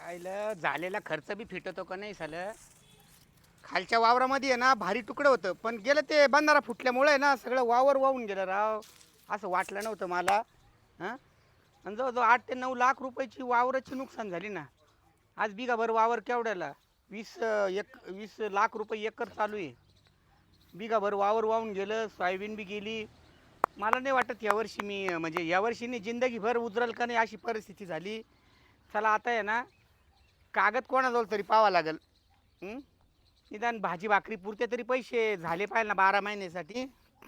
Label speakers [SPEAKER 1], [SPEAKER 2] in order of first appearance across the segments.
[SPEAKER 1] आईला झालेला खर्च बी फिटतो का नाही झालं. खालच्या वावरामध्ये आहे ना भारी तुकडं होतं, पण गेलं ते बंधारा फुटल्यामुळे आहे ना सगळं वावर वाहून गेलं राव. असं वाटलं नव्हतं मला. हां, आणि जवळजवळ 8 ते 9 लाख रुपयाची वावराची नुकसान झाली ना. आज बिगाभर वावर केवढ्याला 20 लाख रुपये एकर चालू आहे. बिगाभर वावर वाहून गेलं, सोयाबीन बी गेली. मला नाही वाटत यावर्षी मी म्हणजे यावर्षी नाही, जिंदगीभर उजरल का नाही अशी परिस्थिती झाली. चला आता आहे ना, कागद कोणाजवळ तरी पाहावा लागेल. हं? निदान भाजी भाकरी पुरते तरी पैसे झाले पाहिजे ना 12 महिन्यासाठी.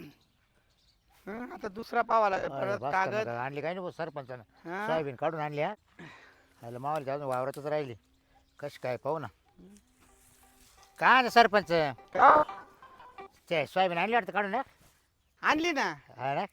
[SPEAKER 1] आता दुसरा पाहावा लागेल
[SPEAKER 2] अरे
[SPEAKER 1] परत
[SPEAKER 2] बस का
[SPEAKER 1] कागद.
[SPEAKER 2] मग आणली काय नाही सरपंचानं.
[SPEAKER 1] हां,
[SPEAKER 2] सोयाबीन काढून आणली हा. आयला मावाला जाऊन वावरातच राहिली. कशी काय पाहू ना. काय ना सरपंच
[SPEAKER 1] का?
[SPEAKER 2] ते सोयाबीन आणली वाटतं काढून ना.
[SPEAKER 1] आणली ना.
[SPEAKER 2] हा ना.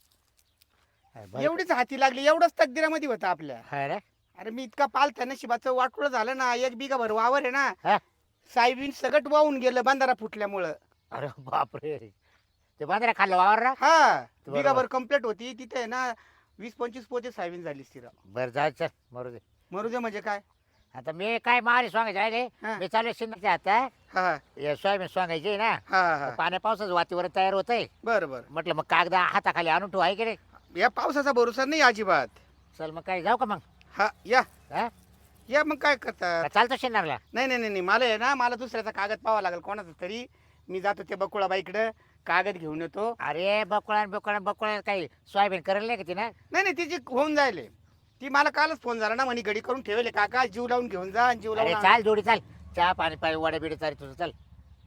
[SPEAKER 2] हा, बरं.
[SPEAKER 1] एवढीच हाती लागली, एवढंच तकदिरामध्ये होतं आपल्या.
[SPEAKER 2] हा ना.
[SPEAKER 1] अरे मी इतका पालथा नशिबाचं वाटोळं झालं ना. 1 बिघाभर वावर आहे ना,
[SPEAKER 2] हा.
[SPEAKER 1] सायबीन सगट वाहून गेलं बंधारा फुटल्यामुळं.
[SPEAKER 2] अरे बापरे. ते बांद्रा खाल्लं वावर ना.
[SPEAKER 1] हा,
[SPEAKER 2] बरोबर.
[SPEAKER 1] बिघाभर कंप्लीट होती तिथे आहे ना. 20-25 पोते सायबीन झाली स्थिर.
[SPEAKER 2] बरं जायचं मरू दे.
[SPEAKER 1] मरू दे म्हणजे काय.
[SPEAKER 2] आता मी काय मारी सांगायचे राहिले.
[SPEAKER 1] हा.
[SPEAKER 2] मी चालू शिंदे आता
[SPEAKER 1] हा
[SPEAKER 2] हे सोयाबीन सांगायचे ना.
[SPEAKER 1] हा हा,
[SPEAKER 2] पाण्या पावसाचं वातावरण तयार होतंय.
[SPEAKER 1] बरं बरं.
[SPEAKER 2] म्हटलं मग कागदा हाताखाली आणून ठेवू आहे की नाही.
[SPEAKER 1] या पावसाचा भरोसा नाही अजिबात.
[SPEAKER 2] चल मग काय जाऊ का मग.
[SPEAKER 1] हा या
[SPEAKER 2] हा
[SPEAKER 1] या, मग काय करतात.
[SPEAKER 2] का चालतं शिंदरला.
[SPEAKER 1] नाही नाही नाही नाही, मला आहे ना, मला दुसऱ्याचा कागद पाहावा लागेल कोणाचा तरी. मी जातो ते बकुळाबाईकडं, कागद घेऊन येतो.
[SPEAKER 2] अरे बकुळा काही सोयाबीन करेल नाही का तिनं.
[SPEAKER 1] नाही नाही, तिची होऊन जायले. ती मला कालच फोन झाला ना, म्हणे घडी करून ठेवले काका, जीव लावून घेऊन जा आणि जीव
[SPEAKER 2] अरे
[SPEAKER 1] लावून
[SPEAKER 2] चाल जोडी चाल. चहा पाणी पाणी वडे बिडे चाल तुझं चल.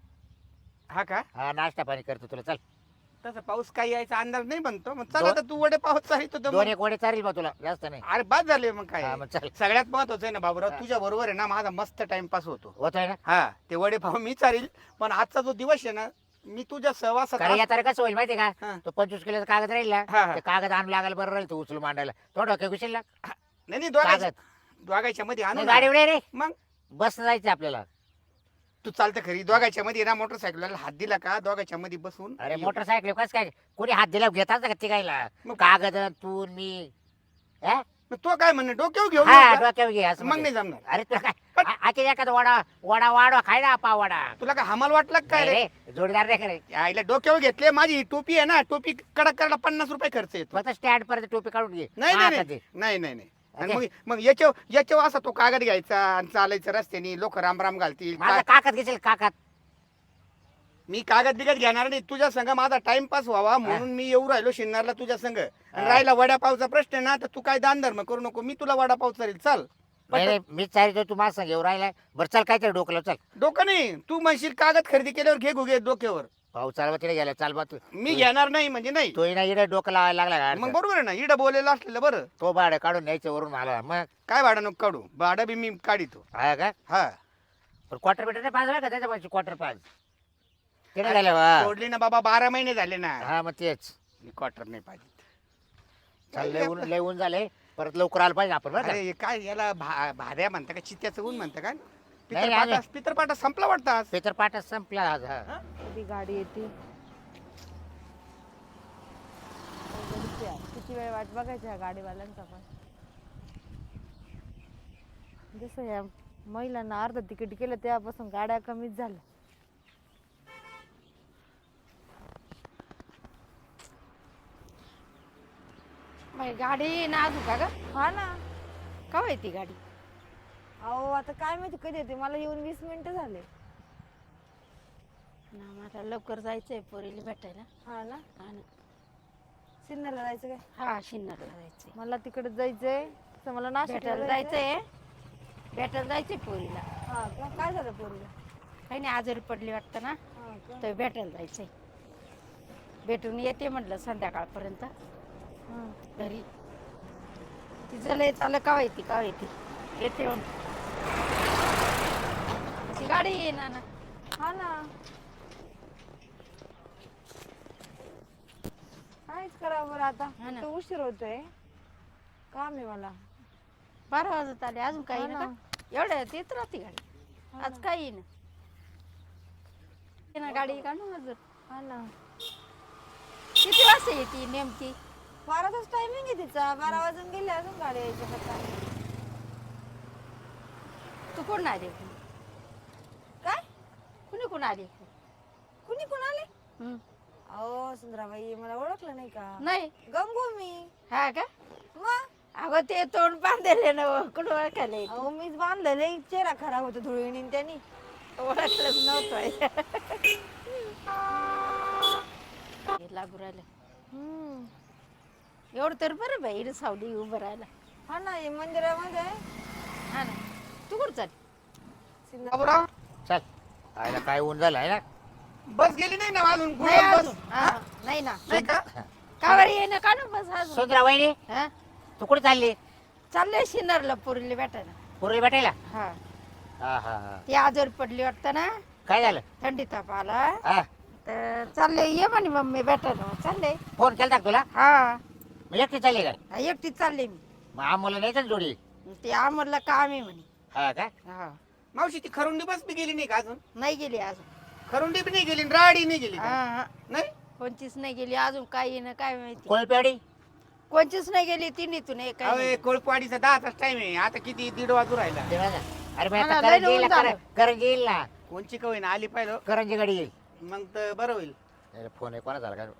[SPEAKER 1] हा का.
[SPEAKER 2] हा नाश्ता पाणी करतो तुला चल.
[SPEAKER 1] तसं पाऊस काही यायचा अंदाज नाही बनतो. मग चला तर तू वडे पाऊस चालित होतं
[SPEAKER 2] दोन
[SPEAKER 1] मग.
[SPEAKER 2] एक वडे चालेल मग तुला जास्त नाही.
[SPEAKER 1] अरे बाद झाले मग
[SPEAKER 2] हा
[SPEAKER 1] काय.
[SPEAKER 2] मग चल.
[SPEAKER 1] सगळ्यात महत्वाचं आहे ना बाबूराव, तुझ्या बरोबर आहे ना माझा मस्त टाइमपास होतो.
[SPEAKER 2] होतोय ना.
[SPEAKER 1] हा, ते वडे पाव मी चालेल. पण आजचा जो दिवस आहे ना, मी तुझ्या सहवासात
[SPEAKER 2] कारण या तारीख कसं होईल माहिती
[SPEAKER 1] हा.
[SPEAKER 2] का. तो 25 किलोचा कागद राहील ना.
[SPEAKER 1] हा, हा.
[SPEAKER 2] ते कागद आणून लागायला बरं राहील तू उचलून मांडायला. तो डोक्या घुसेल ना
[SPEAKER 1] नाही नाही, दोघांच्या
[SPEAKER 2] कागद.
[SPEAKER 1] दोघांच्या मध्ये आणू
[SPEAKER 2] नाही,
[SPEAKER 1] ना.
[SPEAKER 2] गाडी उडे रे.
[SPEAKER 1] मग
[SPEAKER 2] बस जायचं आपल्याला.
[SPEAKER 1] तू चालतं खरी, दोघांच्या मध्ये ना मोटरसायकलला हात दिला का दोघांच्या मध्ये बसून.
[SPEAKER 2] अरे मोटरसायकल कसं काय कोणी हात दिला घेतात का तिघायला.
[SPEAKER 1] मग-
[SPEAKER 2] कागद तू आणि मी. हा?
[SPEAKER 1] मग तो काय म्हणणं, डोक्यावर घेऊन
[SPEAKER 2] हा
[SPEAKER 1] येऊ का?
[SPEAKER 2] डोक्यावर घे असं
[SPEAKER 1] मग
[SPEAKER 2] म्हणजे.
[SPEAKER 1] नाही जमणार.
[SPEAKER 2] अरे तुला काय आखी एखादा वडा वडा वाढवा खाय ना पा वडा.
[SPEAKER 1] तुला काय हमाल वाटलं का काय
[SPEAKER 2] नाही
[SPEAKER 1] रे.
[SPEAKER 2] रे जोडीदार रे खरे.
[SPEAKER 1] आईला डोक्यावर घेतले. माझी ही टोपी आहे ना, टोपी कडक करायला 50 रुपये खर्च येतो.
[SPEAKER 2] फक्त स्टँड पर्यंत टोपी काढून घे.
[SPEAKER 1] नाही
[SPEAKER 2] हा,
[SPEAKER 1] नाही
[SPEAKER 2] आता
[SPEAKER 1] नाही
[SPEAKER 2] ते.
[SPEAKER 1] नाही नाही नाही. आणि
[SPEAKER 2] ओके.
[SPEAKER 1] मग मग याच्यावर असा तो कागद घ्यायचा आणि चालायचं रस्त्याने, लोक रामराम घालतील.
[SPEAKER 2] माझा काकात घेशील काकात.
[SPEAKER 1] मी कागद बिगत घेणार नाही. तुझ्या संग माझा टाइमपास व्हावा म्हणून मी येऊ राहिलो शिन्नरला तुझ्या संग. आणि राहिला वडापावचा प्रश्न आहे ना, तर तू काय दान धर्म करू नको. मी तुला वडापाव चालेल. चल.
[SPEAKER 2] नाही नाही, मी चालतो तू माझं सांग येऊ राहिलाय. बरं चल काहीतरी डोकलं चल.
[SPEAKER 1] डोकं नाही, तू म्हणशील कागद खरेदी केल्यावर घे घुगे डोक्यावर.
[SPEAKER 2] भाऊ चालवा तिथे गेला चाल बा तू.
[SPEAKER 1] मी घेणार नाही म्हणजे नाही.
[SPEAKER 2] तो ना इकडे डोकं लावायला लागला
[SPEAKER 1] मग
[SPEAKER 2] का.
[SPEAKER 1] बरोबर आहे ना, इडं बोलायला असलेलं बरं.
[SPEAKER 2] तो भाडं काढून न्यायचं वरून मला मग.
[SPEAKER 1] काय भाडं नको काढू, भाडं बी मी काढितो.
[SPEAKER 2] हा का.
[SPEAKER 1] हा,
[SPEAKER 2] पण क्वार्टर बिटर नाही पाच का त्याच्या पाहिजे क्वार्टर पाच. तिथे झालं वा.
[SPEAKER 1] सोडली ना बाबा, 12 महिने झाले ना.
[SPEAKER 2] हा मग तेच.
[SPEAKER 1] मी क्वार्टर नाही पाहिजे.
[SPEAKER 2] चल लय ऊन झाले. परत लवकर आलं पाहिजे आपण बरं का.
[SPEAKER 1] अरे हे काय याला भाद्या म्हणता का, चित्त्याचं ऊन म्हणता का.
[SPEAKER 2] नाही.
[SPEAKER 1] पितरपाटा संपला वाटतं आज.
[SPEAKER 2] पेपर पाठच संपला आज. हा.
[SPEAKER 1] हा?
[SPEAKER 3] कधी गाडी येते. किती वेळ वाट बघायच्या गाडीवाल्यांचा पण. जसं या महिलांना अर्ध तिकीट केलं तेव्हापासून गाड्या कमीच झाल्या.
[SPEAKER 4] बाई गाडी ना अजून का ग.
[SPEAKER 3] हा ना.
[SPEAKER 4] का ती गाडी.
[SPEAKER 3] अहो आता काय माहिती कधी येते. मला येऊन 20 मिनिटं झाले.
[SPEAKER 4] ना मला लवकर जायचंय पोरीला भेटायला.
[SPEAKER 3] हा ना.
[SPEAKER 4] हा ना.
[SPEAKER 3] सिन्नरला जायचं काय.
[SPEAKER 4] हा शिन्नरला जायचंय.
[SPEAKER 3] मला तिकडे जायचंय. तर मला
[SPEAKER 4] भेटायला
[SPEAKER 3] नाशिकला
[SPEAKER 4] जायचंय. भेटायला जायचंय पोरीला.
[SPEAKER 3] हा का. काय झालं पोरीला.
[SPEAKER 4] काही नाही आजारी पडली वाटतं ना.
[SPEAKER 3] हा का.
[SPEAKER 4] तर भेटायला जायचंय. भेटून येते म्हटलं संध्याकाळपर्यंत
[SPEAKER 3] हा.
[SPEAKER 4] घरी. तिचं लय चाललं का येते येते म्हणून. ती गाडी येईना ना.
[SPEAKER 3] हा ना. काहीच करावं बरं आता.
[SPEAKER 4] हा ना.
[SPEAKER 3] तो उशीर होतोय. काम आहे मला.
[SPEAKER 4] 12 वाजत आले अजून काही
[SPEAKER 3] हा
[SPEAKER 4] ना
[SPEAKER 3] ना.
[SPEAKER 4] का एवढ्या येत राहते गाडी.
[SPEAKER 3] हा
[SPEAKER 4] आज
[SPEAKER 3] ना.
[SPEAKER 4] काही येईना. येईना गाडी काढून अजून.
[SPEAKER 3] हा ना.
[SPEAKER 4] किती वाजता येते नेमकी.
[SPEAKER 3] 12चाच टायमिंग आहे तिचा. 12 वाजून गेले अजून गाडी यायची आता.
[SPEAKER 4] तू कोण आली
[SPEAKER 3] काय
[SPEAKER 4] कुणी कोण आली
[SPEAKER 3] कुणी कुणाले
[SPEAKER 4] हं.
[SPEAKER 3] अहो सुंदराबाई मला ओळखलं नाही का
[SPEAKER 4] नाही
[SPEAKER 3] गंगू मी
[SPEAKER 4] हा का
[SPEAKER 3] मग
[SPEAKER 4] अगं ते तोंड बांधले ना कुठं ओळखायला येते?
[SPEAKER 3] अहो मीच बांधलेले चेहरा खराब होतो धुळीने त्यांनी
[SPEAKER 4] ओळखलंच नव्हतं हे लागू राहिलं
[SPEAKER 3] हम्म.
[SPEAKER 4] एवढं तर बरं बाई इकडे सावली उभं राहिला
[SPEAKER 3] हा ना हे मंदिरामध्ये
[SPEAKER 4] हा ना तू कुठं चाल
[SPEAKER 1] बाबूराव
[SPEAKER 2] चल आयला काय ऊन झालं आहे ना
[SPEAKER 1] बस गेली नाही ना अजून
[SPEAKER 4] नाही
[SPEAKER 1] गुलाब बस
[SPEAKER 4] अजून. हा, नाही ना
[SPEAKER 1] नाही का
[SPEAKER 4] का बरं ये ना का ना बस अजून
[SPEAKER 2] सुंदरा वहिनी
[SPEAKER 4] हा
[SPEAKER 2] तू कुठे चालली
[SPEAKER 4] चाललंय शिनरला पोरीला भेटायला
[SPEAKER 2] पूर्वी भेटायला
[SPEAKER 4] हा
[SPEAKER 2] हा हा हा
[SPEAKER 4] ती आजारी पडली वाटतं ना
[SPEAKER 2] काय झालं
[SPEAKER 4] थंडी ताप आला
[SPEAKER 2] हा
[SPEAKER 4] तर चालले ये म्हणे मम्मी भेटायला चालले
[SPEAKER 2] फोन केलता का तुला
[SPEAKER 4] हा
[SPEAKER 2] मग एकटी चालली काय
[SPEAKER 4] एकटीच चालले मी
[SPEAKER 2] मग आम्हाला नाही जोडी
[SPEAKER 4] ते आम्हाला काम आहे म्हणे
[SPEAKER 2] हा का
[SPEAKER 4] हा
[SPEAKER 1] मावशी ती खरुंडी बस बी गेली नाही का अजून
[SPEAKER 4] नाही गेली अजून
[SPEAKER 1] खरुंडी बी नाही गेली राडी नाही गेली
[SPEAKER 4] हा
[SPEAKER 1] का?
[SPEAKER 4] हा
[SPEAKER 1] नाही
[SPEAKER 4] कोणतीच नाही गेली अजून काय येणं काय माहिती
[SPEAKER 2] कोळपेवाडी
[SPEAKER 4] कोणतीच नाही गेली तिन्हीतून एक काही
[SPEAKER 1] अरे
[SPEAKER 4] नाही.
[SPEAKER 1] कोळपवाडीचा 10चा टाइम आहे आता किती 1:30 वाजू राहिला
[SPEAKER 2] अरे मी
[SPEAKER 4] हा ना,
[SPEAKER 2] आता
[SPEAKER 4] लय
[SPEAKER 2] करंजी
[SPEAKER 4] ऊन
[SPEAKER 2] येईल
[SPEAKER 4] झालं.
[SPEAKER 2] करंजी येईल ना
[SPEAKER 1] कोणची कवय ना आली पाहिलं
[SPEAKER 2] करंजी गाडी येईल
[SPEAKER 1] मग तर बरं होईल
[SPEAKER 2] अरे फोन आहे कोणा झाला काय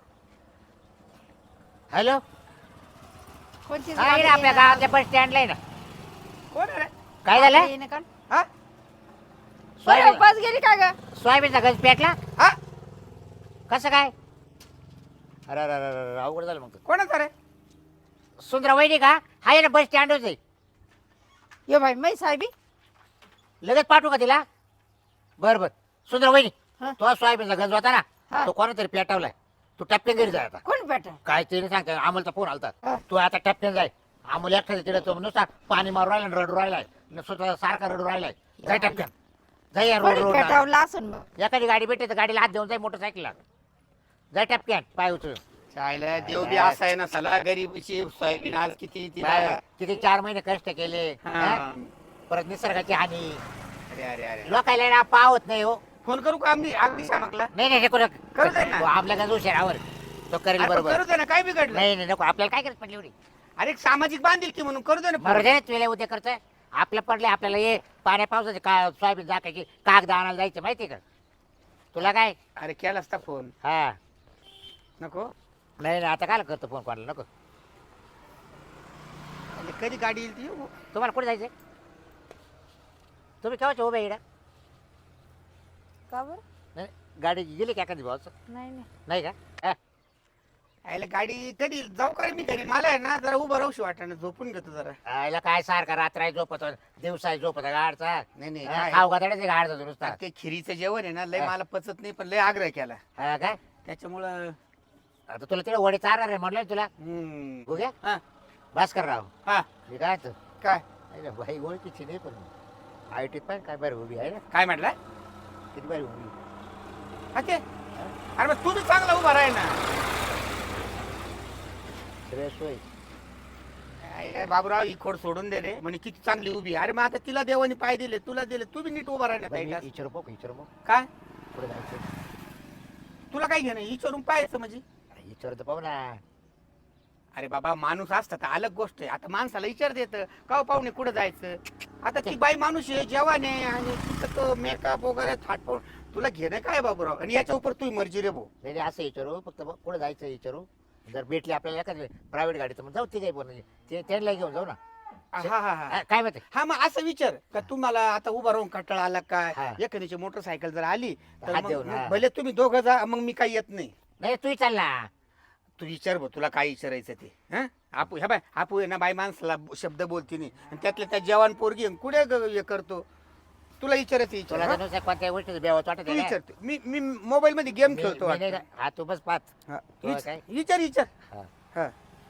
[SPEAKER 2] हॅलो
[SPEAKER 4] कोणतीच
[SPEAKER 2] हा
[SPEAKER 4] गाडी
[SPEAKER 2] इकडे आपल्या
[SPEAKER 4] येणं-
[SPEAKER 2] गावातल्या बस स्टँडला आहे ना
[SPEAKER 1] कोण आहे रे?
[SPEAKER 2] काय झालं
[SPEAKER 4] येणं का?
[SPEAKER 1] हा
[SPEAKER 4] बरं,
[SPEAKER 2] सोयाबीन
[SPEAKER 4] बस गेली का ग
[SPEAKER 2] सोयाबीनचा गज पेटला
[SPEAKER 1] हा
[SPEAKER 2] कसं काय अरे अरे अरे अरे, अवघड झालं मग
[SPEAKER 1] कोणाचा रे
[SPEAKER 2] सुंदरा वहिनी का हा आहे ना बस स्टँडच आहे
[SPEAKER 4] ये बाई मै साहेबी
[SPEAKER 2] लगेच पाठवू का तिला बरं बरं सुंदरा वहिनी
[SPEAKER 4] हा.
[SPEAKER 2] तो सोयाबीनचा गंज होता
[SPEAKER 4] हा.
[SPEAKER 2] ना तो कोणातरी पेटवलाय तू टप्प्यान घरी जाय आता
[SPEAKER 4] कोण भेटा
[SPEAKER 2] काय ते नाही सांगता अमोलचा फोन आलता
[SPEAKER 4] हा.
[SPEAKER 2] तू आता टप्प्यान जाय अमोल एकट्याचा तिला तो नुसता पाणी मारू राहिला आणि रडू राहिलाय स्वतः सारखा रडू राहिलाय जाय टप्प्यान जाय या रोड
[SPEAKER 4] कोणी
[SPEAKER 2] रोड
[SPEAKER 4] भेटावला असून मग
[SPEAKER 2] एखादी गाडी भेटते तर गाडीला हात देऊन जाय मोटरसायकलला जाय टप्प्यान पाय उचलून
[SPEAKER 1] चायला देव बी असा आहे ना सला गरीबची सोयाबीन आज किती तिला
[SPEAKER 2] बाय, किती 4 महिने कष्ट केले
[SPEAKER 1] हा.
[SPEAKER 2] हा? परत निसर्गाची हानी
[SPEAKER 1] अरे अरे अरे
[SPEAKER 2] लोकायला ना पावत नाही हो
[SPEAKER 1] फोन करू का आम्ही अगदी शामकला
[SPEAKER 2] नाही नाही नको
[SPEAKER 1] करू दे ना.
[SPEAKER 2] आपल्या गंज उशिरावर तो करेल बरोबर
[SPEAKER 1] करू दे ना काय बिघडलं
[SPEAKER 2] नाही नाही नको आपल्याला काय करत पडली एवढी
[SPEAKER 1] अरे एक सामाजिक बांधील की म्हणून करू दे ना
[SPEAKER 2] बरं दे तुला उद्या करतोय आपल्या पडले आपल्याला ये पाण्या पावसाचे का सोयाबीन झाकायची कागद आणायला जायचं माहिती का तुला काय
[SPEAKER 1] अरे केला असता फोन
[SPEAKER 2] हा
[SPEAKER 1] नको
[SPEAKER 2] नाही नाही आता काय करतो फोन कोणाला नको
[SPEAKER 1] अरे कधी गाडी येईल ती येऊ.
[SPEAKER 2] तुम्हाला कुठे जायचंय तुम्ही केव्हाचे उभे इकडं
[SPEAKER 3] का बरं
[SPEAKER 2] नाही गाडी गेली का एखादी भाऊ
[SPEAKER 3] नाही नाही
[SPEAKER 2] नाही का हा.
[SPEAKER 1] यायला गाडी कधी जाऊ का रे मी घरी मला आहे ना जरा उभं राहूशी वाटणं झोपून घेतो जरा
[SPEAKER 2] याला काय सारखा रात्र झोपत दिवसा झोपत गाडचा
[SPEAKER 1] नाही नाही
[SPEAKER 2] हा,
[SPEAKER 1] काय?
[SPEAKER 2] खाऊ गाड्याचे गाडचा दुरुस्ता
[SPEAKER 1] आता ते खिरीचं जेवण आहे ना लय
[SPEAKER 2] हा.
[SPEAKER 1] मला पचत नाही पण लय आग्रह केला
[SPEAKER 2] हा काय
[SPEAKER 1] त्याच्यामुळं
[SPEAKER 2] आता तुला तिला वडे चारणार आहे म्हटलं ना तुला
[SPEAKER 1] हम्म.
[SPEAKER 2] बघूया
[SPEAKER 1] हा
[SPEAKER 2] भास्कर राव
[SPEAKER 1] हा
[SPEAKER 2] मी काय तर
[SPEAKER 1] काय
[SPEAKER 2] भाई ओळखीची नाही पण आय टी पण काय बरं उभी आहे ना
[SPEAKER 1] काय म्हटलं
[SPEAKER 2] किती बरी उभी
[SPEAKER 1] हा ते अरे मग तू बी चांगला उभा राह ना
[SPEAKER 2] श्रेयस होय
[SPEAKER 1] काय बाबूराव ही खोड सोडून दे रे म्हणे किती चांगली उभी आहे. अरे मग आता तिला देवानी पाय दिले तुला दिले तू बी नीट उभा राहण्यात
[SPEAKER 2] विचारू
[SPEAKER 1] काय
[SPEAKER 2] पुढे जायचं
[SPEAKER 1] तुला काय घेणं विचारून पाहायचं म्हणजे
[SPEAKER 2] विचारू तर पाहू ना
[SPEAKER 1] अरे बाबा माणूस असता तर अलग गोष्ट आहे आता माणसाला विचार देत का पाहुणे कुठं जायचं आता ती बाई माणूस आहे जेवण आहे आणि तिथं तो मेकअप वगैरे थाटपून तुला घेणं काय बाबूराव आणि याच्या उपर तू मर्जी रे भाऊ
[SPEAKER 2] नाही नाही, असं विचारू फक्त कुठे जायचं विचारू जर भेटली आपल्याला एखादी प्रायव्हेट गाडी तर मग जाऊ ते काही पण त्यांना घेऊन जाऊ ना
[SPEAKER 1] हा हा हा
[SPEAKER 2] हा, काय माहिती
[SPEAKER 1] हा मग असं विचार का तुम्हाला आता उभा राहून कंटाळा आला काय
[SPEAKER 2] हा.
[SPEAKER 1] एखाद्याची मोटरसायकल जर आली तर
[SPEAKER 2] हात
[SPEAKER 1] मग
[SPEAKER 2] देऊन, हा.
[SPEAKER 1] भले तुम्ही दोघं जा मग मी काही येत नाही
[SPEAKER 2] नाही तू चाल ना
[SPEAKER 1] तू विचार भाऊ तुला काय विचारायचं ते हा आपू ह्या बाय आपू आहे ना बाई माणसाला शब्द बोलती नाही आणि त्यातल्या त्या जवान पोरगी आहे, कुठे हे करतो तुला विचारायचं
[SPEAKER 2] तुला
[SPEAKER 1] विचार
[SPEAKER 2] तर नुसतं कोणत्या गोष्टीचं बेवाच वाटत
[SPEAKER 1] तू
[SPEAKER 2] आहे का?
[SPEAKER 1] विचारते मी मोबाईल मध्ये गेम
[SPEAKER 2] मी-
[SPEAKER 1] खेळतो
[SPEAKER 2] मी नाही
[SPEAKER 1] वाटतं.
[SPEAKER 2] का? हा तू बस पाच
[SPEAKER 1] हा,
[SPEAKER 2] तुला काय?
[SPEAKER 1] विचार विचार
[SPEAKER 2] हा.
[SPEAKER 1] हा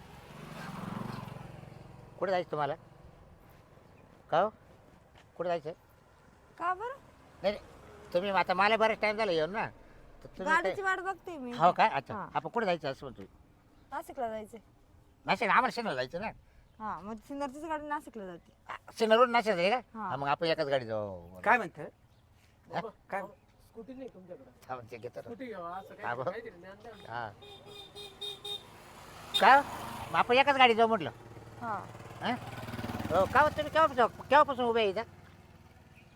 [SPEAKER 2] कुठे जायचं तुम्हाला का हो? कुठे जायचं
[SPEAKER 3] का बरं
[SPEAKER 2] नाही नाही, तुम्ही आता मला बराच टाइम झाला येऊन ना तर तुम्ही
[SPEAKER 3] गाडीची
[SPEAKER 2] काय-
[SPEAKER 3] वाट बघते मी
[SPEAKER 2] हो काय अच्छा
[SPEAKER 3] हा.
[SPEAKER 2] आपण कुठे जायचं असं म्हणतो
[SPEAKER 3] नाशिकला जायचंय
[SPEAKER 2] नाशिक आम्हाला शेणाला जायचं ना
[SPEAKER 3] हा मग सिन्नरचीच गाडी नाशिकला जाते
[SPEAKER 2] शेणावरून नाशिक आहे का
[SPEAKER 3] हा.
[SPEAKER 2] हा, मग आपण एकाच गाडी जाऊ
[SPEAKER 1] काय म्हणत काय
[SPEAKER 5] स्कूटी नाही तुमच्याकडे
[SPEAKER 2] थांब, ते घेतो ना.
[SPEAKER 5] स्कूटी घ्यावा असं
[SPEAKER 2] हा, बघ.
[SPEAKER 5] काहीतरी ज्ञान द्या ना.
[SPEAKER 2] हा का मग आपण एकाच गाडी जाऊ म्हटलं
[SPEAKER 3] हा
[SPEAKER 2] हा? हो का हो, तुम्ही केव्हापासून उभे आहे इथं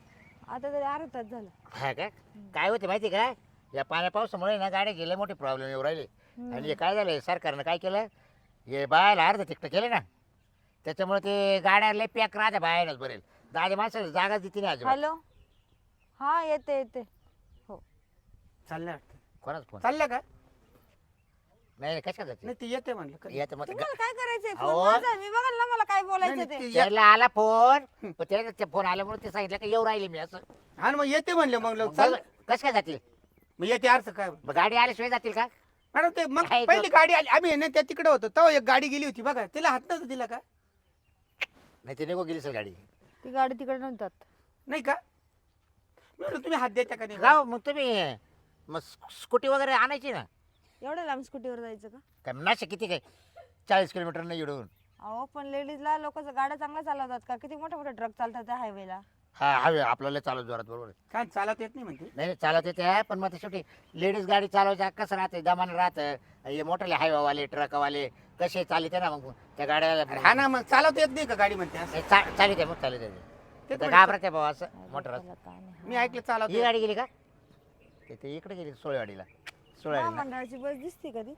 [SPEAKER 3] आता तरी अर्धा तास झाला.
[SPEAKER 2] हा का काय होते माहिती का या पाण्या पावसामुळे ना गाड्या गेले मोठे प्रॉब्लेम येऊ राहिले. आणि हे काय झालं सरकारनं काय केलं हे बायाला अर्ध तिकटं केलं ना त्याच्यामुळे ते गाड्या लय पॅक राहत्या बाहेरच बरेल 10 माणसाला जागाच देते नाही अजिबात.
[SPEAKER 3] हॅलो. हा येते येते.
[SPEAKER 1] चाललं वाटतं.
[SPEAKER 2] कोणाच फोन
[SPEAKER 1] चाललं का?
[SPEAKER 2] नाही कशा जाते
[SPEAKER 1] नाही ती येते म्हणलं.
[SPEAKER 2] येतं मग
[SPEAKER 3] तुम्हाला काय करायचंय?
[SPEAKER 2] अहो.
[SPEAKER 3] फोन माझा, मी बघाल ना मला काय बोलायचं
[SPEAKER 1] नाही,
[SPEAKER 3] ते.
[SPEAKER 1] ती ये-
[SPEAKER 2] त्याला आला फोन पण त्याला ते फोन आल्यामुळे ते सांगितलं की येऊ राहिले मी असं
[SPEAKER 1] हा ना, मग येते म्हणलं मग लोक चाल.
[SPEAKER 2] कसं काय जातील
[SPEAKER 1] मग येते अर्थ काय
[SPEAKER 2] मग गाडी आल्याशिवाय जातील का
[SPEAKER 1] मॅडम ते मग
[SPEAKER 2] काय
[SPEAKER 1] पहिली गाडी आली आम्ही आहे ना त्या तिकडे होतो तेव्हा एक गाडी गेली होती बघा तिला हात नव्हता दिला का?
[SPEAKER 2] नाही ते निघू गेली सर गाडी
[SPEAKER 3] ती गाडी तिकडे नव्हतात.
[SPEAKER 1] नाही का? मी म्हणलं तुम्ही हात द्यायचा का नाही?
[SPEAKER 2] गाव मग तुम्ही मग स्कूटी वगैरे आणायची ना
[SPEAKER 3] एवढ्या लांब स्कूटीवर जायचं का?
[SPEAKER 2] काय नाशिक किती काय 40 किलोमीटर नाही इडून
[SPEAKER 3] अहो पण लेडीजला लोक गाड्या चांगल्या चालवतात का? किती मोठे मोठे ट्रक चालतात त्या हायवेला.
[SPEAKER 2] हा हवे आपल्याला चालत जोरात बरोबर आहे.
[SPEAKER 1] काय चालत येत नाही म्हणते.
[SPEAKER 2] नाही चालत येते पण मग ते शेवटी लेडीज गाडी चालवायचं कसं राहते दमान राहतं हे मोठे हायवावाले ट्रकवाले कसे चालिते ना मग त्या गाड्याला
[SPEAKER 1] अरे हा ना मग चालवता येत नाही का गाडी म्हणते असं?
[SPEAKER 2] चालिते मग चालिते
[SPEAKER 1] ते
[SPEAKER 2] ते घाबरते भाऊ असं मोटर
[SPEAKER 3] त्याला काय नाही.
[SPEAKER 1] मी ऐकलं चालवत
[SPEAKER 2] ही गाडी गेली का ते इकडे गेली सोळेवाडीला सोळेवाडीला
[SPEAKER 3] महामंडळाची बस दिसते कधी?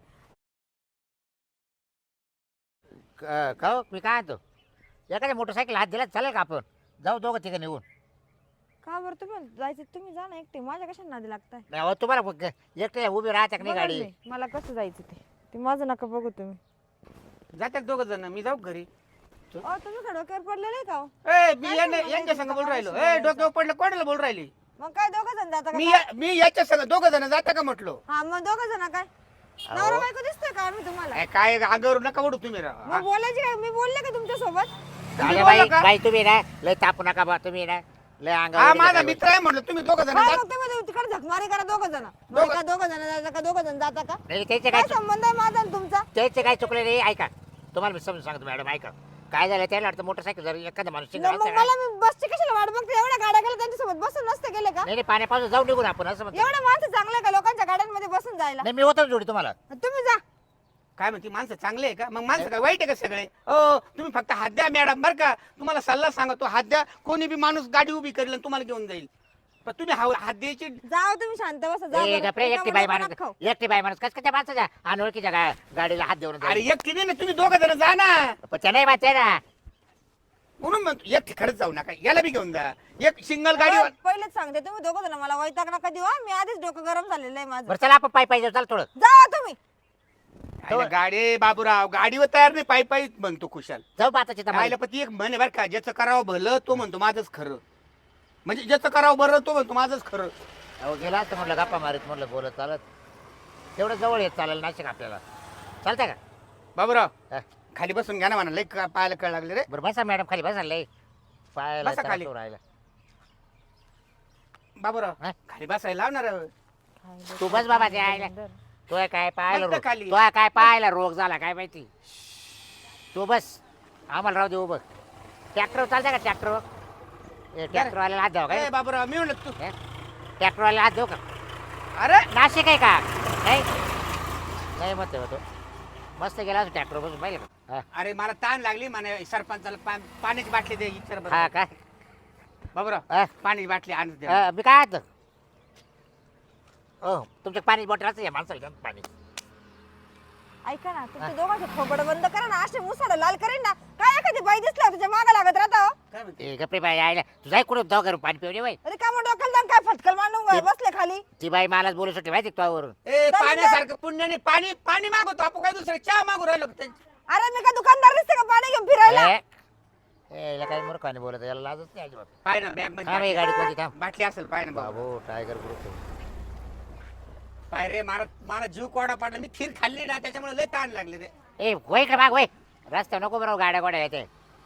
[SPEAKER 2] का हो? मी काय आणतो एखाद्या मोटरसायकल हात दिला चालेल का आपण जाऊ दोघं तिघं निघून
[SPEAKER 3] का बरं तुम्ही जायचं तुम्ही जा ना एकटे. माझ्या कशा नादी लागताय?
[SPEAKER 2] नाही अहो, तुम्हाला एकटे उभी राहते का नाही
[SPEAKER 3] बघा
[SPEAKER 2] गाडी
[SPEAKER 3] मी, मला कसं जायचं ते माझं नका बघू तुम्ही.
[SPEAKER 1] जातात दोघ जण मी जाऊ घरी.
[SPEAKER 3] अहो तुम्ही डोक्यावर पडलेले का हो?
[SPEAKER 1] ए मी
[SPEAKER 3] काय
[SPEAKER 1] यांना-
[SPEAKER 3] सांगू
[SPEAKER 1] यांच्या
[SPEAKER 3] मला
[SPEAKER 1] संग बोल राहिलो.
[SPEAKER 3] इथं
[SPEAKER 1] ए डोक्यावर पडलं कोणाला बोल राहिली?
[SPEAKER 3] मग काय दोघं जण जाता का?
[SPEAKER 1] मी याच्या संग दोघ जण जाता का म्हटलो?
[SPEAKER 3] हा मग दोघं जण काय? नवरा बायको दिसतोय का मी तुम्हाला?
[SPEAKER 1] काय अंगावर नका ओढू तुम्ही राव.
[SPEAKER 3] मग बोलायची काय? मी बोलले का तुमच्या सोबत?
[SPEAKER 1] तुम्ही
[SPEAKER 2] अरे
[SPEAKER 1] बोलला
[SPEAKER 2] बाई
[SPEAKER 1] का?
[SPEAKER 2] बाई तुम्ही ना लय तापू नका बा तुम्ही ना लय
[SPEAKER 1] हा
[SPEAKER 2] अंगावर
[SPEAKER 1] माझा
[SPEAKER 2] काय
[SPEAKER 1] मित्र आहे म्हटलं तुम्ही दोघ जण
[SPEAKER 3] काय
[SPEAKER 1] जा.
[SPEAKER 3] मग तुम्ही तिकडे झकमारी करा दोघं जण.
[SPEAKER 1] दोघं-
[SPEAKER 3] का दोघं जण जाता का? दोघं जण जाता का?
[SPEAKER 2] नाही त्याचे काय
[SPEAKER 3] काय संबंध आहे माझा आणि तुमचा?
[SPEAKER 2] त्याचे काय चुकले नाही ऐका तुम्हाला मी समजून सांगतो मॅडम ऐका काय झालं त्याला वाटतं मोटरसायकल जर एखादा माणूस शिंगा
[SPEAKER 3] मग
[SPEAKER 2] असता ना,
[SPEAKER 3] मला मी बसची कशाला वाट बघते? एवढ्या गाड्या गेल्या त्यांच्यासोबत बसून नसते गेले का?
[SPEAKER 2] नाही नाही पाण्यापासून जाऊ निघून आपण असं म्हणतो
[SPEAKER 3] एवढे माणसं चांगले का लोकांच्या गाड्यांमध्ये बसून जायला?
[SPEAKER 2] नाही मी होतो ना जोडी तुम्हाला
[SPEAKER 3] तुम्ही जा.
[SPEAKER 1] काय म्हणते माणसं चांगले आहे का? मग माणसं काय वाईट आहे का सगळे? ओ तुम्ही फक्त हात द्या मॅडम बरं का. तुम्हाला सल्ला सांगतो हात द्या. कोणी बी माणूस गाडी उभी करेल आणि तुम्हाला घेऊन जाईल. पण तुम्ही हात द्यायची.
[SPEAKER 3] जाओ तुम्ही शांत बसा. जा
[SPEAKER 2] ए
[SPEAKER 3] बरं.
[SPEAKER 2] गप्रे एकटी
[SPEAKER 3] एका
[SPEAKER 2] बाई
[SPEAKER 3] मुलाला
[SPEAKER 2] माणूस
[SPEAKER 3] नका खाऊ.
[SPEAKER 2] एकटी बाई माणूस कसं काय त्या माणसाच्या अनोळखीच्या गाडीला हात देऊन
[SPEAKER 1] अरे
[SPEAKER 2] जाईल?
[SPEAKER 1] एकटी नाही ना तुम्ही दोघ जण जा ना.
[SPEAKER 2] पण त्या नाही माहिती आहे ना
[SPEAKER 1] म्हणून म्हणतो एक खरंच जाऊ नका याला बी घेऊन जा. एक सिंगल गाडी
[SPEAKER 3] अहो, पहिलेच सांगते तुम्ही दोघं जण मला वैताग नका देऊ हा. मी आधीच डोकं गरम झालेलं आहे माझं.
[SPEAKER 2] बरं चला आपण पायी पाहिजे चाल थोडं
[SPEAKER 3] जा तुम्ही.
[SPEAKER 1] गाडी बाबूराव गाडीवर तयार नाही पायी पायी म्हणतो खुशाल.
[SPEAKER 2] जाऊ पाताची
[SPEAKER 1] राहिलं पण ती एक म्हणे बरं का ज्याचं करावं भलं तो म्हणतो माझंच खरं. म्हणजे ज्याचं करावं बरं तो म्हणतो माझंच खरं.
[SPEAKER 2] अहो गेला तर म्हटलं गप्पा मारीत म्हटलं बोलत चालत तेवढं जवळ येत चालेल नाशिक आपल्याला चालतंय का
[SPEAKER 1] बाबूराव
[SPEAKER 2] हा.
[SPEAKER 1] खाली बसून घ्या ना म्हणा लई पाहायला कळ लागले रे.
[SPEAKER 2] बरं बसा मॅडम खाली बसा लय पायाला
[SPEAKER 1] बसा खाली.
[SPEAKER 2] त्रास होऊ राहिला
[SPEAKER 1] बाबूराव
[SPEAKER 2] हा?
[SPEAKER 1] खाली बसायला लावणार.
[SPEAKER 2] तू बस बाबा ते आयला तो काय पाहायला
[SPEAKER 1] बस खाली.
[SPEAKER 2] तो काय पाहायला रोग झाला काय माहिती तू बस आम्हाला राहू दे उभं ट्रॅक्टर चालतंय का ट्रॅक्टर ट्रॅक्टरवाल्याला हात द्यावा
[SPEAKER 1] ए
[SPEAKER 2] काय
[SPEAKER 1] बाबूराव मी म्हणलं तू
[SPEAKER 2] ट्रॅक्टरवाल्याला हात देऊ का
[SPEAKER 1] अरे
[SPEAKER 2] नाशिक आहे का नाही नाही म्हणते तो मस्त गेला ट्रॅक्टर बसून पाहिजे का हा.
[SPEAKER 1] अरे मला ताण लागली म्हणे सरपंचाला पाण्याची बाटली दे इच्छा
[SPEAKER 2] हा काय
[SPEAKER 1] बाबूराव
[SPEAKER 2] हा.
[SPEAKER 1] पाण्याची बाटली आणून दे.
[SPEAKER 2] मी काय आता हो तुमच्या पाणी बॉटल असं या माणसाला घ्या पाणी
[SPEAKER 3] ऐका ना तुमच्या दोघांचे खोबड बंद करा ना. असे मुसाड लाल करेन ना. काय एखादी बाई दिसला तुझ्या मागा लागत राहता हो.
[SPEAKER 1] काय म्हणते?
[SPEAKER 2] ए गप्पे बाई आयला तुझा कुठं जाऊ करून पाणी पिवणे बाई
[SPEAKER 3] अरे का मग डोक्याला जाऊन काय फटकल मांडून बसले खाली.
[SPEAKER 2] ती बाई मलाच बोलू शकते माहिती का तुझ्यावरून
[SPEAKER 1] ए
[SPEAKER 3] चालेल
[SPEAKER 1] पाण्यासारखं पुण्याने पाणी पाणी मागवतो आपण काय दुसरं चहा मागू राहिलो का?
[SPEAKER 3] अरे मी का दुकानदार दिसते का पाणी घेऊन फिरायला?
[SPEAKER 2] याला काही मूर्खाने बोलत याला लाजच नाही अजिबात
[SPEAKER 1] पाय ना बॅग
[SPEAKER 2] हा बाई गाडी कोणती थांब
[SPEAKER 1] बाटली असेल पाय ना बाबा.
[SPEAKER 2] बाबू टायगर ग्रुप
[SPEAKER 1] पाय रे मला मला जीव कोडा पाडला मी खीर खाल्ली ना त्याच्यामुळे लय ताण लागले रे.
[SPEAKER 2] ए वय का माग वय रस्त्यावर नको बरोबर गाड्या गोड्या येते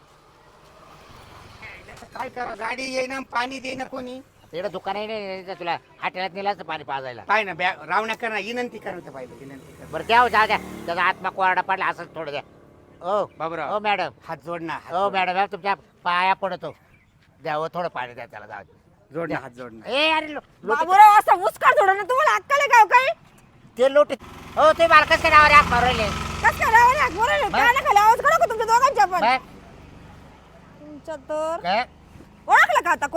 [SPEAKER 1] काय करा गाडी येईना पाणी देईना कोणी.
[SPEAKER 2] तिकडे दुकान आहे नाही तुला हाटेलात नेलं असतं पाणी पाजायला
[SPEAKER 1] पाय ना बॅग रावण्या कर ना विनंती करत पाहिजे विनंती कर.
[SPEAKER 2] बरं द्या हो, जा द्या त्याचा आत्मा कोरडा पडला असं थोडं द्या ओ
[SPEAKER 1] बाबूराव
[SPEAKER 2] ओ मॅडम
[SPEAKER 1] हात जोड ना हात
[SPEAKER 2] ओ
[SPEAKER 1] जोड.
[SPEAKER 2] मॅडम तुमच्या पाया पडतो द्यावं थोडं पाणी द्या त्याला जाऊ दे.
[SPEAKER 1] जोड ना हात जोड ना.
[SPEAKER 2] ए अरे लोटे
[SPEAKER 3] बाबूराव असा मुस्कार थोडं ना. तुम्हाला अक्कल आहे का हो काही?
[SPEAKER 2] ते लोटे हो ते मालकाच काय नावावर हाक मारले
[SPEAKER 3] कस काय रावणे हाक बोलायले? काय ना खाली आवाज काढा का तुमच्या दोघांच्या पण?
[SPEAKER 2] काय
[SPEAKER 3] तुमच्या तर
[SPEAKER 2] काय
[SPEAKER 3] ओळखलं का आता कोण आहे?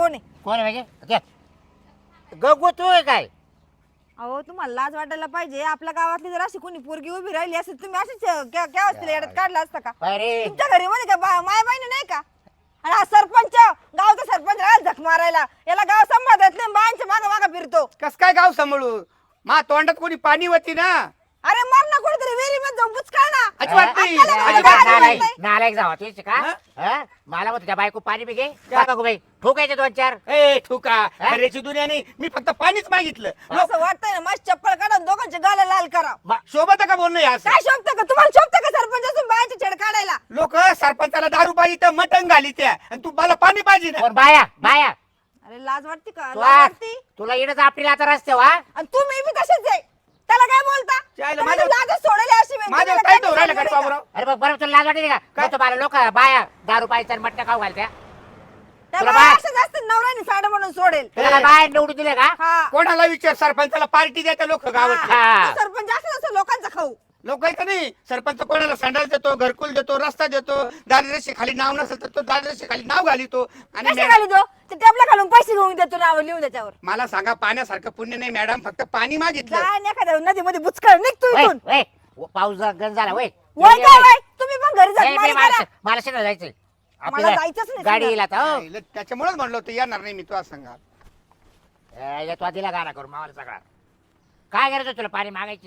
[SPEAKER 2] कोण आहे म्हणजे गगू तू आहे काय
[SPEAKER 3] अहो तुम्हाला लाज वाटायला पाहिजे. आपल्या गावातली जर अशी कोणी पोरगी उभी राहिली असेल तुम्ही अशीच केव्हा असतील येड्यात काढला असता का?
[SPEAKER 2] अरे
[SPEAKER 3] तुमच्या घरी मध्ये का माय बहिणी नाही का? आणि हा सरपंच गावचा सरपंच राहिला झक मारायला. याला गाव सांभाळत नाही, बायांच्या मागं मागं फिरतो.
[SPEAKER 1] कस काय गाव सांभाळू? मा तोंडात कोणी पाणी होती ना.
[SPEAKER 3] अरे मर ना कुठेतरी विहिरी मध्ये जाऊन बुचकाळ ना.
[SPEAKER 1] अजिबात नाही,
[SPEAKER 3] आपल्याला
[SPEAKER 1] अजिबात
[SPEAKER 3] गावाला
[SPEAKER 1] नाही.
[SPEAKER 3] नाही.
[SPEAKER 2] नालायक जावा तेच का
[SPEAKER 1] हा?
[SPEAKER 2] हा? मला मग तुझ्या बायको पाणी बी घे का बाई ठोकायचे 2-4
[SPEAKER 1] ए ठुका
[SPEAKER 2] हा?
[SPEAKER 1] खऱ्याची दुनिया नाही. मी फक्त पाणीच मागितलं.
[SPEAKER 3] असं वाटतंय ना मस्त चप्पल काढून दोघांचे गाला लाल करा.
[SPEAKER 1] शोभत का बोलणं हे असं?
[SPEAKER 3] काय शोभतं का तुम्हाला? शोभतं का सरपंच असून बायांची छेड काढायला?
[SPEAKER 1] लोक सरपंचाला दारू पाहिजे तर मटण घाली त्या आणि तू मला पाणी पाहिजे ना.
[SPEAKER 2] कोण बाया बाया
[SPEAKER 3] अरे लाज वाटते का? लाज
[SPEAKER 2] तुला
[SPEAKER 3] वाटते?
[SPEAKER 2] तुला येणंच आपली आता रस्ते वा
[SPEAKER 3] आणि तुम्ही बी तसेच आहे. त्याला काय बोलता?
[SPEAKER 1] चायला
[SPEAKER 3] तुम्ही
[SPEAKER 1] माझ्या-
[SPEAKER 3] लाजच सोडली अशी वेळ.
[SPEAKER 1] माझ्या
[SPEAKER 3] तुम्हाला
[SPEAKER 1] काय
[SPEAKER 3] काय
[SPEAKER 1] तो राहिला
[SPEAKER 3] सांगू
[SPEAKER 1] का
[SPEAKER 3] नका.
[SPEAKER 1] बाबूराव?
[SPEAKER 2] अरे बघ बरं तुला लाज वाटते का
[SPEAKER 1] काय?
[SPEAKER 2] मग तुम्हाला लोक बाया दारू पाहिजे आणि मटण खाऊ घालत्या
[SPEAKER 3] त्या
[SPEAKER 2] तुला
[SPEAKER 3] बाया
[SPEAKER 2] बाय-
[SPEAKER 3] अशाच असतात, नवऱ्याने साडं म्हणून सोडेल.
[SPEAKER 2] तुला काय बाया निवडून दिले का
[SPEAKER 3] हा.
[SPEAKER 1] कोणाला विचार सरपंचाला पार्टी द्या लोक गावात.
[SPEAKER 2] हा.
[SPEAKER 3] तो सरपंच असं असं लोकांचा खाऊ.
[SPEAKER 1] लोक का नाही सरपंच कोणाला संडास देतो, घरकुल देतो, रस्ता देतो. दारिद्र्य खाली नाव नसेल तर तो दारिद्र्य खाली नाव घालितो. आणि
[SPEAKER 3] कशा घाली तो? ते टेबला घालून पैसे घेऊन देतो नाव लिहून त्याच्यावर.
[SPEAKER 1] मला सांगा पाण्यासारखं पुण्य नाही मॅडम, फक्त पाणी मागितलं.
[SPEAKER 3] काय नाही एखाद्या नदीमध्ये बुचकळ निघतो इथून.
[SPEAKER 2] वय, वय, पाऊस गंज झाला वय
[SPEAKER 3] वय काय वय? तुम्ही पण घरी जा
[SPEAKER 2] मला मला शेतात जायचंय
[SPEAKER 3] मला
[SPEAKER 2] आपल्याला
[SPEAKER 3] जायचंच नाही
[SPEAKER 2] गाडी
[SPEAKER 3] शेतात.
[SPEAKER 2] येईल आता हो.
[SPEAKER 1] नाही, त्याच्यामुळेच म्हणलं होतं येणार नाही मी. तुला सांगा
[SPEAKER 2] तू दिला गाणा करून मावाला सगळा काय करायचं तुला पाणी मागायची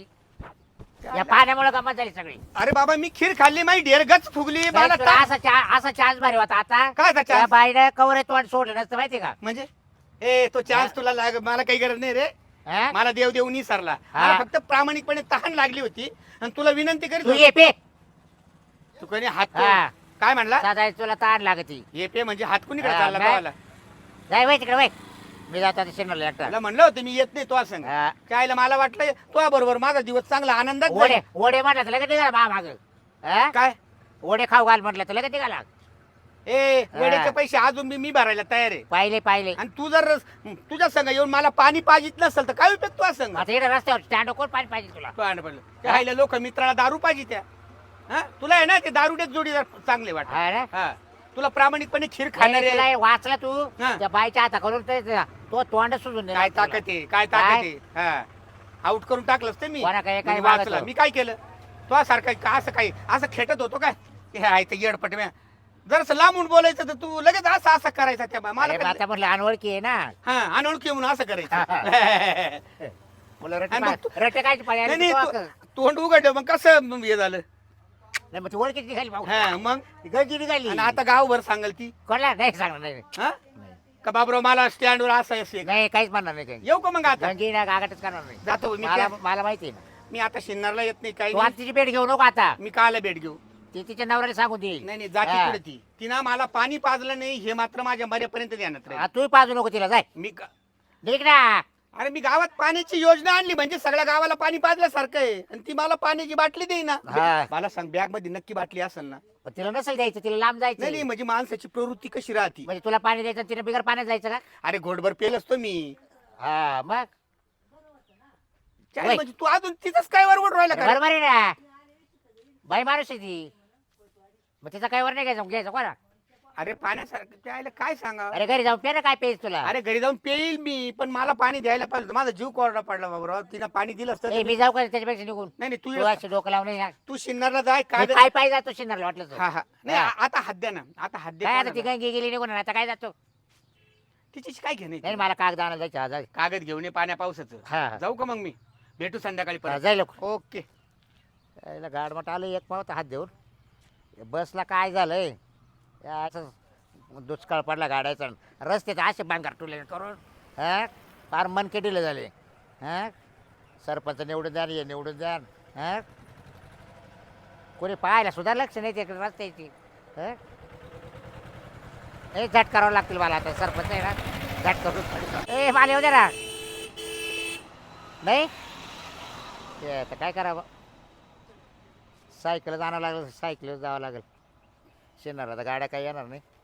[SPEAKER 2] या पाण्यामुळे गमत झाली सगळी
[SPEAKER 1] अरे बाबा मी खीर खाल्ली, माझी ढेरगच फुगली. मला
[SPEAKER 2] तुला असा चान्स भारी होता आता
[SPEAKER 1] काय असा
[SPEAKER 2] त्या
[SPEAKER 1] chance?
[SPEAKER 2] बाईनं कवर तोंड सोडलं नसतं माहिती का
[SPEAKER 1] म्हणजे ए तो चान्स तुला मला काही गरज नाही रे.
[SPEAKER 2] हा?
[SPEAKER 1] मला देव देऊ नाही सरला.
[SPEAKER 2] हा.
[SPEAKER 1] मला फक्त प्रामाणिकपणे तहान लागली होती आणि तुला विनंती करीत
[SPEAKER 2] तू
[SPEAKER 1] होतो.
[SPEAKER 2] ये पे
[SPEAKER 1] तू कोणी हात
[SPEAKER 2] हा.
[SPEAKER 1] काय म्हणला?
[SPEAKER 2] साधा तुला ताण लागती
[SPEAKER 1] ये पे म्हणजे हात कुणीकडे
[SPEAKER 2] हा,
[SPEAKER 1] चालला
[SPEAKER 2] नाही.
[SPEAKER 1] गावाला?
[SPEAKER 2] जाय वय तिकडे वय मी जातो आता शेणाला एकटा
[SPEAKER 1] तुला म्हणलं होतं मी येत नाही तो सांग.
[SPEAKER 2] हा.
[SPEAKER 1] कायला मला वाटलं तुझ्या बरोबर माझा दिवस चांगला आनंदात
[SPEAKER 2] ओढे
[SPEAKER 1] जाईल.
[SPEAKER 2] ओढे म्हटलं तर लगेच निघाला मा माग
[SPEAKER 1] काय
[SPEAKER 2] ओढे खाऊ घाल म्हटलं तर लगेच निघाला
[SPEAKER 1] ए
[SPEAKER 2] हा.
[SPEAKER 1] वेळेचे पैसे अजून मी भरायला तयार आहे.
[SPEAKER 2] पाहिले पाहिले
[SPEAKER 1] आणि तू जर तुझ्या संग येऊन मला पाणी पाहिजेत नसेल तर काय उपयोग तुझा संग?
[SPEAKER 2] आता इकडे रस्त्यावर स्टँड कोण पाणी पाहिजे तुला
[SPEAKER 1] पाणी पडलं त्या राहिल्या लोक मित्राला दारू पाहिजे त्या. हा तुला आहे ना ते दारुडेच जोडीदार चांगले वाटत.
[SPEAKER 2] हा ना?
[SPEAKER 1] हा तुला प्रामाणिकपणे खीर
[SPEAKER 2] नाही,
[SPEAKER 1] खाणारे
[SPEAKER 2] तुला हे वाचला तू
[SPEAKER 1] हा.
[SPEAKER 2] त्या बाईच्या हाता करून तो तोंड सुजून दिला
[SPEAKER 1] काय
[SPEAKER 2] तुला.
[SPEAKER 1] ताकद आहे, काय ताकद आहे. हा आउट करून टाकलंच ते मी.
[SPEAKER 2] कोणा काय- काय
[SPEAKER 1] म्हणजे वाचला.
[SPEAKER 2] मागतो?
[SPEAKER 1] मी काय केलं तो सारखं का असं काही असं खेटत होतो काय हे आहे ते येडपट म्या. जर लांबून बोलायचं तर तू लगेच असं असं करायचा त्या मला
[SPEAKER 2] अरे,
[SPEAKER 1] काय-
[SPEAKER 2] आता म्हणलं अनोळखी आहे ना
[SPEAKER 1] हा अनोळखी म्हणून असं करायचं.
[SPEAKER 2] मुलं रट्टे
[SPEAKER 1] आणि मग
[SPEAKER 2] पा- रट्टे काय पाहिजे
[SPEAKER 1] नाही नाही तोंड उघडलं मग कसं मग हे झालं.
[SPEAKER 2] नाही मग ती ओळखीची निघाली भाऊ
[SPEAKER 1] हा मग
[SPEAKER 2] ती गळती निघाली
[SPEAKER 1] आणि आता गावभर सांगाल ती
[SPEAKER 2] कोणला नाही सांगणार नाही
[SPEAKER 1] हा
[SPEAKER 2] नाही.
[SPEAKER 1] का बाबराव मला स्टँडवर असं असेल.
[SPEAKER 2] नाही काहीच म्हणणार नाही काही
[SPEAKER 1] येऊ का मग आता?
[SPEAKER 2] गंगी ना गागाटच करणार नाही
[SPEAKER 1] जातो मी
[SPEAKER 2] मला मला माहिती आहे ना
[SPEAKER 1] मी आता शिन्नरला येत नाही काही
[SPEAKER 2] तू आता
[SPEAKER 1] नाही.
[SPEAKER 2] तिची भेट घेऊ नको आता
[SPEAKER 1] मी काला भेट घेऊ.
[SPEAKER 2] ती तिच्या नवऱ्याला सांगून देईल
[SPEAKER 1] नाही नाही जाती
[SPEAKER 2] हा.
[SPEAKER 1] पुढे ती तिनं मला पाणी पाजलं नाही हे मात्र माझ्या मर्यापर्यंत ध्यानात राहील.
[SPEAKER 2] तू पाजू नको तिला जाय
[SPEAKER 1] मी
[SPEAKER 2] निघ ना
[SPEAKER 1] अरे मी गावात पाण्याची योजना आणली म्हणजे सगळ्या गावाला पाणी पाजल्यासारखं आहे आणि ती मला पाण्याची बाटली देईना.
[SPEAKER 2] हा.
[SPEAKER 1] मला सांग बॅग मध्ये नक्की बाटली असेल ना?
[SPEAKER 2] पण तिला नसेल द्यायचं तिला लांब
[SPEAKER 1] नाही
[SPEAKER 2] जायचं
[SPEAKER 1] नाही म्हणजे माणसाची प्रवृत्ती कशी राहते.
[SPEAKER 2] म्हणजे तुला पाणी द्यायचं तिने बिगर पाण्यात जायचं का
[SPEAKER 1] अरे घोडभर पेल असतो मी.
[SPEAKER 2] हा मग
[SPEAKER 1] काय
[SPEAKER 2] वय.
[SPEAKER 1] म्हणजे तू अजून तिथंच काय वर राहिला का?
[SPEAKER 2] बरोबर आहे ना बाई माणूस आहे ती मग तिचा काय वर नाही घ्यायचं कोणा
[SPEAKER 1] अरे पाण्यासारखं त्याला काय सांगा.
[SPEAKER 2] अरे घरी जाऊन पे ना काय पेज तुला
[SPEAKER 1] अरे घरी जाऊन पेईल मी पण मला पाणी द्यायला पाहिजे होतं. माझा जीव कोरडा पडला बाबा. तिनं पाणी दिलं असतं
[SPEAKER 2] ए,
[SPEAKER 1] तर
[SPEAKER 2] मी जाऊ का त्याच्यापेक्षा निघून
[SPEAKER 1] नाही नाही
[SPEAKER 2] तू
[SPEAKER 1] तू
[SPEAKER 2] अशी डोकं लावून ये ना.
[SPEAKER 1] तू शिन्नरला जाय काय
[SPEAKER 2] मी पाय पाय जातो शिन्नरला वाटलं तर.
[SPEAKER 1] हा हा नाही
[SPEAKER 2] हा.
[SPEAKER 1] आता हद्द्या ना आता हद्द्या
[SPEAKER 2] काय आता ती
[SPEAKER 1] कोणाला?
[SPEAKER 2] गंगी गेली निघून आता काय जातो
[SPEAKER 1] तिची काय घेणे
[SPEAKER 2] नाही मला कागद आणायला जायचं हा, जाय
[SPEAKER 1] कागद घेऊन ये पाण्या पावसाचं.
[SPEAKER 2] हा, हा.
[SPEAKER 1] जाऊ का मग मी भेटू संध्याकाळी
[SPEAKER 2] हा,
[SPEAKER 1] परत.
[SPEAKER 2] जाय लोक
[SPEAKER 1] ओके.
[SPEAKER 2] गाडमट आलं एक पावत हात देऊन बसला काय झालंय या असं दुष्काळ पडला गाड्याचा रस्त्यात असे बांगार टुले करून हा फार मनके दिले झाले हा सरपंच निवडून द्या हे निवडून द्या हा कोणी पाहायला सुद्धा लक्ष नाही तिकडे रस्त्याची हा हे झट करावं लागतील मला आता सरपंच आहे ना झट करून ए मला येऊ दे ना नाही ते आता काय करावं सायकल जाणं लागलं सायकल जावं लागेल शेणार आता गाड्या काही येणार नाही